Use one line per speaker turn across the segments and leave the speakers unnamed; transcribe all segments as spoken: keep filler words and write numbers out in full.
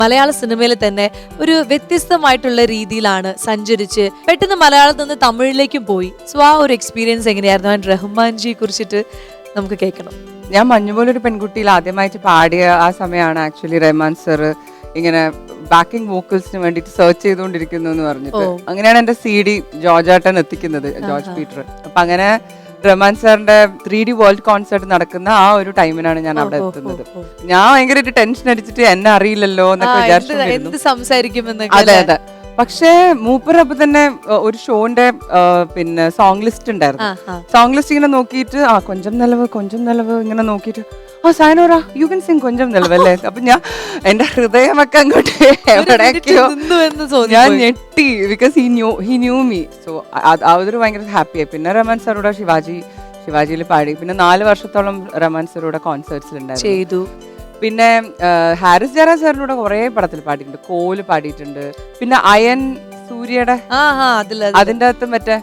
മലയാള സിനിമയിൽ തന്നെ ഒരു വ്യത്യസ്തമായിട്ടുള്ള രീതിയിലാണ് സഞ്ചരിച്ച് പെട്ടെന്ന് മലയാളത്തിൽ നിന്ന് തമിഴിലേക്കും പോയി. സോ ആ ഒരു എക്സ്പീരിയൻസ് എങ്ങനെയായിരുന്നു? ആൻഡ് റഹ്മാൻജിയെ കുറിച്ചിട്ട് നമുക്ക് കേൾക്കണം.
ഞാൻ മഞ്ഞുപോലൊരു പെൺകുട്ടിയിൽ ആദ്യമായിട്ട് പാടിയ ആ സമയമാണ് ആക്ച്വലി റഹ്മാൻ സർ ഇങ്ങനെ ബാക്കിംഗ് വോക്കൽസിന് വേണ്ടിട്ട് സെർച്ച് ചെയ്തുകൊണ്ടിരിക്കുന്നു എന്ന് പറഞ്ഞിട്ട്. അങ്ങനെയാണ് എന്റെ സി ഡി ജോർജാട്ടൻ എത്തിക്കുന്നത്, ജോർജ് പീറ്റർ. അപ്പൊ അങ്ങനെ റഹ്മാൻ സാറിന്റെ ത്രീ ഡി വേൾഡ് കോൺസേർട്ട് നടക്കുന്ന ആ ഒരു ടൈമിനാണ് ഞാൻ അവിടെ എത്തുന്നത്. ഞാൻ ഭയങ്കരമായിട്ട് ടെൻഷൻ അടിച്ചിട്ട് എന്നെ അറിയില്ലല്ലോ എന്നൊക്കെ വിചാരിച്ചു. അതെ അതെ. പക്ഷേ മൂപ്പരപ്പൊ തന്നെ ഒരു ഷോന്റെ പിന്നെ സോങ് ലിസ്റ്റ് ഉണ്ടായിരുന്നു. സോങ് ലിസ്റ്റ് ഇങ്ങനെ നോക്കിയിട്ട് ആ കൊഞ്ചം നിലവ് കൊഞ്ചം നിലവ് ഇങ്ങനെ നോക്കിയിട്ട് ആ സൈനോറ യു കൻ സിംഗ് കൊഞ്ചം നിലവല്ലേ. അപ്പൊ ഞാൻ എന്റെ ഹൃദയമൊക്കെ അങ്ങോട്ട് എവിടെയൊക്കെയോ ഞാൻ ഞെട്ടി. Because he knew he knew me. So അതൊരു ഭയങ്കര ഹാപ്പിയായി. പിന്നെ റഹ്മാൻ സാറൂടെ ശിവാജി ശിവാജിയിൽ പാടി. പിന്നെ നാല് വർഷത്തോളം റഹ്മാൻ സാറൂടെ കോൺസേർട്സിലുണ്ടായിരുന്നു. പിന്നെ ഹാരിസ് ജയറാം സാറിനൂടെ കുറെ പടത്തിൽ പാടിയിട്ടുണ്ട്. കോല് പാടിയിട്ടുണ്ട്. പിന്നെ അയൻ സൂര്യയുടെ അതിന്റെ അകത്ത് മറ്റേ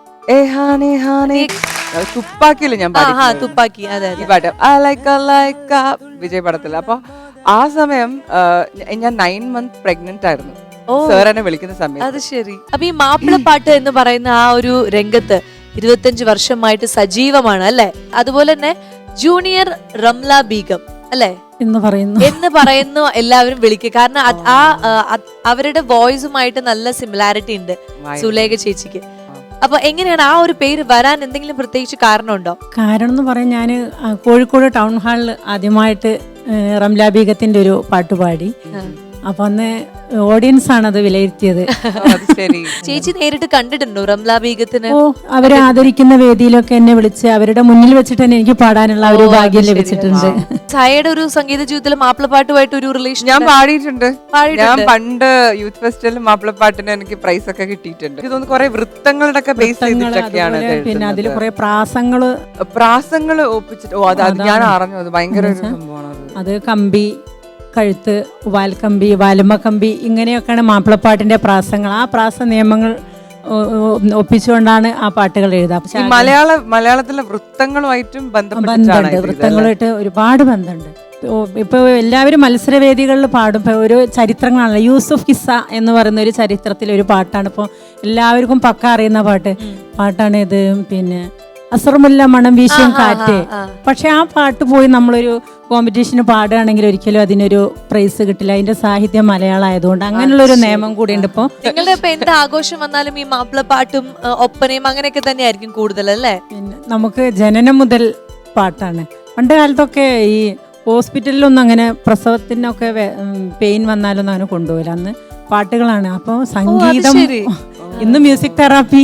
തുപ്പാക്കിയില്ല ഞാൻ
തുപ്പാക്കി
ഈ പാട്ട് വിജയ് പടത്തിൽ. അപ്പൊ ആ സമയം ഞാൻ നയൻ മന്ത് പ്രഗ്നന്റ് ആയിരുന്നു സാർ എന്നെ വിളിക്കുന്ന സമയം.
അത് ശരി. അപ്പൊ ഈ മാപ്പിളപ്പാട്ട് എന്ന് പറയുന്ന ആ ഒരു രംഗത്ത് ഇരുപത്തിയഞ്ച് വർഷമായിട്ട് സജീവമാണ് അല്ലെ? അതുപോലെ തന്നെ ജൂനിയർ റംല ബീഗം അല്ലെ
എന്ന് പറയുന്നു
എന്ന് പറയുന്നു എല്ലാവരും വിളിക്കുക. കാരണം ആ അവരുടെ വോയിസുമായിട്ട് നല്ല സിമിലാരിറ്റി ഉണ്ട് സുലേഖ ചേച്ചിക്ക്. അപ്പൊ എങ്ങനെയാണ് ആ ഒരു പേര് വരാൻ എന്തെങ്കിലും പ്രത്യേകിച്ച് കാരണമുണ്ടോ?
കാരണം എന്ന് പറയാൻ ഞാൻ കോഴിക്കോട് ടൗൺ ഹാളിൽ ആദ്യമായിട്ട് റംല ബീഗത്തിന്റെ ഒരു പാട്ട് പാടി. അപ്പൊ അന്ന് ഓഡിയൻസ് ആണ് അത് വിലയിരുത്തിയത്.
ചേച്ചി നേരിട്ട് കണ്ടിട്ടുണ്ടോ റംല ബീഗത്തിന്?
ഓ, അവരെ ആദരിക്കുന്ന വേദിയിലൊക്കെ എന്നെ വിളിച്ച് അവരുടെ മുന്നിൽ വെച്ചിട്ട് തന്നെ എനിക്ക് പാടാനുള്ള ഒരു ഭാഗ്യം ലഭിച്ചിട്ടുണ്ട്.
സായയുടെ ഒരു സംഗീത ജീവിതത്തിൽ മാപ്പിളപ്പാട്ടുമായിട്ട് ഒരു റിലേഷൻ
ഞാൻ പാടിയിട്ടുണ്ട്. ഞാൻ പണ്ട് യൂത്ത് ഫെസ്റ്റിവലിൽ മാപ്പിളപ്പാട്ടിന് എനിക്ക് പ്രൈസ് ഒക്കെ കിട്ടിയിട്ടുണ്ട്. ഇതൊന്ന് കുറെ വൃത്തങ്ങളുടെ ഒക്കെ ബേസ് ചെയ്തിട്ടൊക്കെയാണ്.
പിന്നെ അതിൽ കുറെ പ്രാസങ്ങള്
പ്രാസങ്ങള് ഒപ്പിച്ചിട്ട് ഓ അത് ഞാൻ അറിഞ്ഞു. അത് ഭയങ്കര ഒരു സംഭവമാണ്.
അത് കമ്പി കഴുത്ത് വാൽക്കമ്പി വാലുമ കമ്പി ഇങ്ങനെയൊക്കെയാണ് മാപ്പിളപ്പാട്ടിന്റെ പ്രാസങ്ങൾ. ആ പ്രാസ നിയമങ്ങൾ ഒപ്പിച്ചുകൊണ്ടാണ് ആ പാട്ടുകൾ എഴുതാം.
മലയാള മലയാളത്തിലെ വൃത്തങ്ങളുമായിട്ടും
ബന്ധമുണ്ട്. വൃത്തങ്ങളുമായിട്ട് ഒരുപാട് ബന്ധമുണ്ട്. ഇപ്പൊ എല്ലാവരും മത്സരവേദികളിൽ പാടും. ഇപ്പൊ ഒരു ചരിത്രങ്ങളാണല്ലോ. യൂസുഫ് കിസ്സ എന്ന് പറയുന്ന ഒരു ചരിത്രത്തിൽ ഒരു പാട്ടാണ് ഇപ്പോൾ എല്ലാവർക്കും പക്ക അറിയുന്ന പാട്ട് പാട്ടാണ് ഇത്. പിന്നെ അസറുമുല്ല മണം വീശും കാറ്റ്. പക്ഷെ ആ പാട്ട് പോയി നമ്മളൊരു കോമ്പറ്റീഷന് പാടുകയാണെങ്കിൽ ഒരിക്കലും അതിനൊരു പ്രൈസ് കിട്ടില്ല. അതിന്റെ സാഹിത്യം മലയാളം ആയതുകൊണ്ട് അങ്ങനെയുള്ള ഒരു നിയമം കൂടി ഉണ്ട്. ഇപ്പൊ
നിങ്ങളുടെ ഇപ്പൊ എന്ത് ആഘോഷം വന്നാലും ഈ മാപ്പിളപ്പാട്ടും ഒപ്പനയും അങ്ങനെയൊക്കെ തന്നെയായിരിക്കും കൂടുതൽ അല്ലേ?
പിന്നെ നമുക്ക് ജനനം മുതൽ പാട്ടാണ്. പണ്ട് കാലത്തൊക്കെ ഈ ഹോസ്പിറ്റലിലൊന്നും അങ്ങനെ പ്രസവത്തിനൊക്കെ പെയിൻ വന്നാലൊന്നും അങ്ങനെ കൊണ്ടുപോകില്ല. അന്ന് പാട്ടുകളാണ്. അപ്പൊ സംഗീതം ഇന്ന് മ്യൂസിക് തെറാപ്പി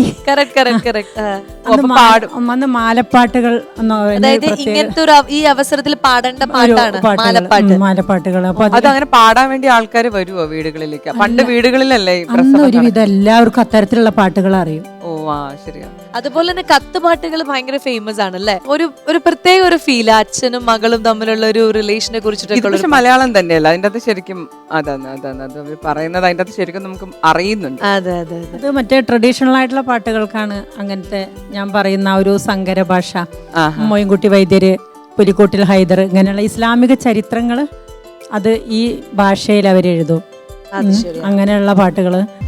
അന്ന് മാലപ്പാട്ടുകൾ
ഇങ്ങനത്തെ ഈ അവസരത്തിൽ പാടേണ്ട പാട്ടാണ്
മാലപ്പാട്ടുകൾ. അപ്പൊ
അതങ്ങനെ പാടാൻ വേണ്ടി ആൾക്കാർ വരുവോ വീടുകളിലേക്ക്? പണ്ട് വീടുകളിലല്ലേ
ഒരുവിധം എല്ലാവർക്കും അത്തരത്തിലുള്ള പാട്ടുകൾ അറിയും.
ഓ ആ ശരിയാ.
അതുപോലെ തന്നെ കത്തുപാട്ടുകൾ ഭയങ്കര ഫേമസ് ആണ് അല്ലെ? ഒരു ഒരു പ്രത്യേക ഒരു ഫീൽ അച്ഛനും മകളും തമ്മിലുള്ള ഒരു റിലേഷനെ കുറിച്ചിട്ട്.
മലയാളം തന്നെയല്ല അതിന്റെ അത് ശരിക്കും അതാണ് അതാണ് അത് പറയുന്നത്. അതിന്റെ അത് ശരിക്കും നമുക്ക് അറിയുന്നുണ്ട്.
അതെ അതെ
അത് മറ്റേ ട്രഡീഷണൽ ആയിട്ടുള്ള പാട്ടുകൾക്കാണ് അങ്ങനത്തെ ഞാൻ പറയുന്ന ഒരു സങ്കര ഭാഷ. മോയിൻകുട്ടി വൈദ്യര്, പുലിക്കോട്ടിൽ ഹൈദർ, ഇങ്ങനെയുള്ള ഇസ്ലാമിക ചരിത്രങ്ങൾ അത് ഈ ഭാഷയിൽ അവരെഴുതും. അങ്ങനെയുള്ള പാട്ടുകള്